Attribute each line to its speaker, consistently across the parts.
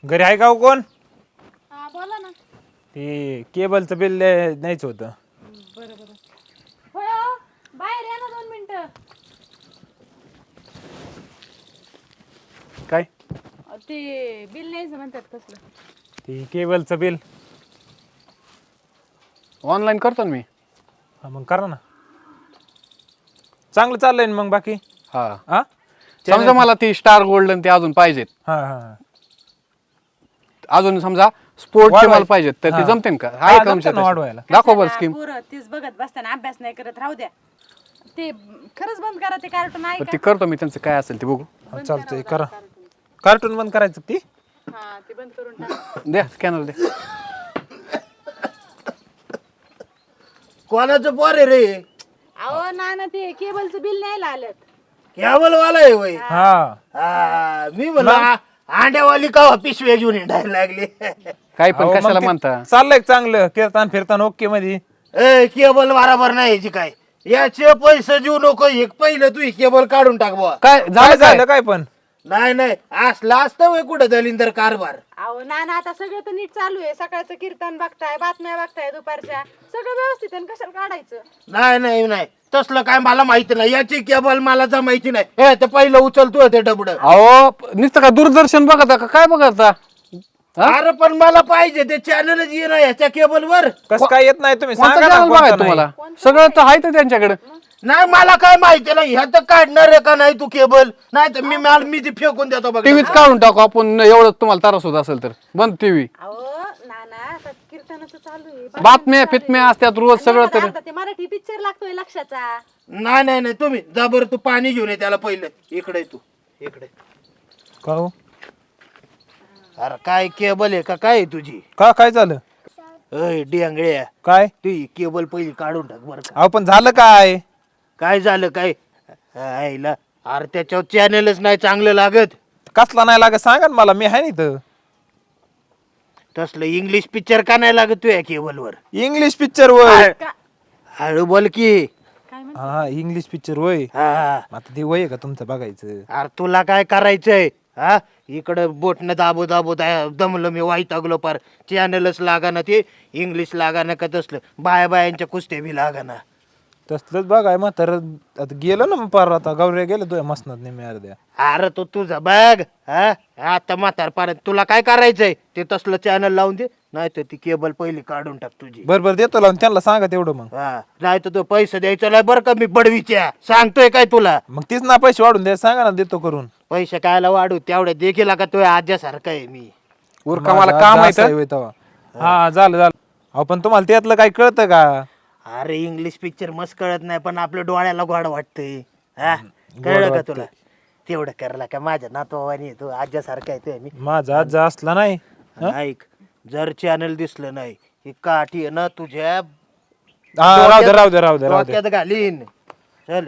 Speaker 1: घरी आहे का हो कोण?
Speaker 2: हा बोला ना.
Speaker 1: ते केबलचं बिल न्यायचं होतं.
Speaker 2: बरं बरं. होय हो. बाहेर या ना 2 मिनिटं.
Speaker 1: काय?
Speaker 2: ते बिल न्यायचं म्हणतात कसलं?
Speaker 1: ते केबलचं बिल.
Speaker 3: ऑनलाईन करतो ना मी.
Speaker 1: हा मग करा ना. चांगलं चाललंय ना मग बाकी?
Speaker 3: हा
Speaker 1: हा
Speaker 3: समजा मला ती स्टार गोल्डन ते अजून पाहिजेत.
Speaker 1: हा हा
Speaker 3: अजून समजा स्पोर्टचे
Speaker 1: वाढवाय-
Speaker 3: मला पाहिजेत तर ते
Speaker 1: हा.
Speaker 3: जमते का?
Speaker 1: हा,
Speaker 3: आहे का
Speaker 1: जमतं
Speaker 3: तुमच्या
Speaker 1: ना
Speaker 3: तशा?
Speaker 1: वाढवायला.
Speaker 3: दाखव बरं
Speaker 2: कशाला
Speaker 3: स्कीम.
Speaker 2: पोरं तीच बघत बसताना अभ्यास नाही करत राहू द्या. ते खरंच बंद करा ते कार्टून आहे
Speaker 3: ते
Speaker 2: का?
Speaker 3: करतो मी त्यांचं काय असेल ते बघू.
Speaker 2: बंद
Speaker 1: चालतंय
Speaker 2: करावं
Speaker 1: करा.
Speaker 2: कार्टून.
Speaker 1: कार्टून बंद करायचं ती?
Speaker 2: हा ते बंद करून टाका.
Speaker 3: द्या स्कॅनर द्या.
Speaker 4: कोणाचं पोर आहे रे?
Speaker 2: अहो ना ते केबलचं बिल न्यायला आलेत.
Speaker 4: कॅबल वाला आहे वय.
Speaker 1: हा
Speaker 4: मी म्हणलं अंड्यावाली का पिशव्या घेऊन हिंडायला लागली.
Speaker 3: काही पण
Speaker 1: अहो, मग
Speaker 3: कशाला
Speaker 1: ते
Speaker 3: म्हणता.
Speaker 1: चाललंय चांगलं कीर्तन फिरतान ओके मध्ये.
Speaker 4: ए केबल बराबर नाही याची काय. याचे पैसे देऊ नको. एक पहिलं तू केबल काढून टाक बुवा.
Speaker 3: काय
Speaker 1: काय
Speaker 3: झालं काय?
Speaker 1: झालं काय पण?
Speaker 4: नाही असला असतं वय कुठं दलिंदर कारभार.
Speaker 2: अहो ना आता सगळं तर नीट चालू आहे. सकाळचं कीर्तन बघताय, बातम्या बघताय दुपारच्या. सगळं व्यवस्थित आहे ना, कशाला काढायचं?
Speaker 4: नाही तसलं काय मला माहिती नाही. याची केबल मला तर माहिती नाही. हे ते पहिलं उचलतो ते डबड.
Speaker 3: अहो नुसतं का दूरदर्शन बघता का काय बघता? हा?
Speaker 4: अरे पण मला पाहिजे ते चॅनलच ये ना याच्या केबल वर.
Speaker 1: कसं काय येत नाही तुम्ही
Speaker 3: कोणतं
Speaker 1: सांगा ना
Speaker 3: channel
Speaker 1: कोणतं
Speaker 3: बघायचं
Speaker 1: नाही.
Speaker 3: तुम्हाला? सगळं तर आहे तर त्यांच्याकडे.
Speaker 4: नाही मला काय माहिती नाही. ह्या तर काढणार आहे का नाही तू केबल? नाही तर मी ती फेकून देतो बघ.
Speaker 3: टीव्हीच काढून टाकू आपण एवढं तुम्हाला त्रास होत असेल तर. बंद टीव्ही.
Speaker 2: अहो ना आता कीर्तनाचं चालू आहे.
Speaker 3: बातम्या फितम्या असतात रोज
Speaker 2: आणि
Speaker 3: सगळं
Speaker 2: एखादा
Speaker 3: तर.
Speaker 2: अर्धा ते मराठी पिक्चर लागतोय लक्षाचा.
Speaker 4: नाही तुम्ही जा बरं. तू पाणी घेऊन ये त्याला पहिलं. इकडे तू इकडे.
Speaker 1: का हो?
Speaker 4: अरे काय केबल आहे का काय आहे तुझी?
Speaker 1: काय झालं?
Speaker 4: अय डिंगळ्या
Speaker 1: काय?
Speaker 4: तू ही केबल पहिली काढून टाक बरं का.
Speaker 1: अहो पण झालं काय?
Speaker 4: काय झालं काय? आईला अरे त्याच्यावर चॅनलच नाही चांगलं लागत.
Speaker 1: कसला नाही लागत सांगा ना मला, मी आहे ना इथं.
Speaker 4: तसलं इंग्लिश पिक्चर का नाही लागत तुझ्या केबलवर?
Speaker 1: इंग्लिश पिक्चर वय.
Speaker 4: हळू बोल की.
Speaker 2: काय म्हण
Speaker 1: हा इंग्लिश पिक्चर वय.
Speaker 4: हा
Speaker 1: आता ते वय आहे का तुमचं बघायचं?
Speaker 4: अरे तुला काय करायचंय? हा इकडं बोटनं दाबो दमलं मी वैतागलो पार. चॅनलच लागाना ते इंग्लिश लागाना का तसलं बायांच्या कुस्त्या बी लागाना.
Speaker 1: तसलंच बघाय म्हातार आता गेलं ना पार. आता गौऱ्या गेलं तुझ्या मसनात नेहमी अर्ध्या.
Speaker 4: अरे तो तुझा बघ. हा आता म्हातारपर्यंत तुला काय करायचंय ते तसलं चॅनल लावून दे. नाही तर ती केबल पहिली काढून टाक तुझी.
Speaker 1: बरोबर देतो लावून त्यांना सांगा तेवढं मग.
Speaker 4: हा नाही तर तो पैसे द्यायचा नाही बरं का. मी बडवीच्या सांगतोय काय तुला.
Speaker 1: मग तीच ना पैसे वाढून द्या सांगा ना, देतो करून.
Speaker 4: पैसे कायला वाढू तेवढ्या देखील का तो आज्यासारखा आहे मी.
Speaker 3: उरका मला
Speaker 1: माझा
Speaker 3: काम
Speaker 1: जास्त
Speaker 3: आहे
Speaker 1: होय तेव्हा. हा झालं अहो पण तुम्हाला त्यातलं काय कळतं का?
Speaker 4: अरे इंग्लिश पिक्चर मस्त कळत नाही पण आपल्या डोळ्याला गोड वाटतंय. हा कळलं का तुला? तेवढं करला का माझ्या नातवानी तू आज्यासारखा आहे मी.
Speaker 1: माझा आज असला नाही.
Speaker 4: ऐक जर चॅनल दिसलं नाही ही काठी आहे ना तुझ्या
Speaker 1: हा राहू दे
Speaker 4: डोक्यात घालीन. चल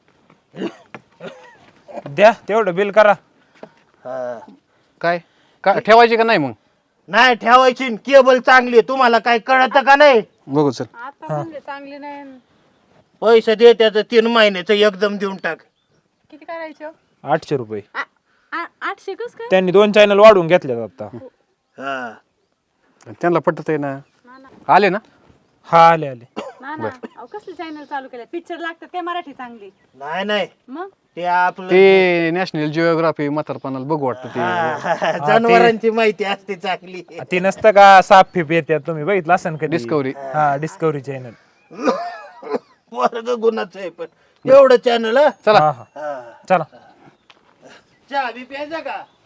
Speaker 1: द्या तेवढं बिल करा.
Speaker 4: हा.
Speaker 3: काय ठेवायची का नाही मग?
Speaker 4: नाही ठेवायची केबल चांगली आहे. तुम्हाला काय कळत का नाही?
Speaker 3: बघू चल.
Speaker 2: आता म्हणले चांगली नाही.
Speaker 4: पैसे दे त्याचं 3 महिन्याचं एकदम देऊन टाक.
Speaker 2: किती करायचं?
Speaker 1: 800 रुपये.
Speaker 2: 800 कस काय?
Speaker 1: त्यांनी 2 चॅनल वाढवून घेतले आता.
Speaker 4: हा
Speaker 3: त्यांना पटत आहे ना. आले ना?
Speaker 1: हा आले
Speaker 2: ना अहो कसले चॅनल चालू केले? पिक्चर लागतात काय मराठी चांगली?
Speaker 4: नाही
Speaker 2: मग
Speaker 4: ते आपलं
Speaker 3: ते नॅशनल जिओग्राफी म्हातारपणाला बघू वाटतं ते.
Speaker 4: जनावरांची माहिती असते चांगली.
Speaker 1: ते नसतं का साप फिप येतात, तुम्ही बघितलं असेल कधी?
Speaker 3: डिस्कवरी.
Speaker 1: हा डिस्कवरी चॅनल.
Speaker 4: वर्ग गुणाचं आहे पण एवढं चॅनल.
Speaker 3: चला
Speaker 1: हा चला.
Speaker 4: चहा बी प्यायचा का?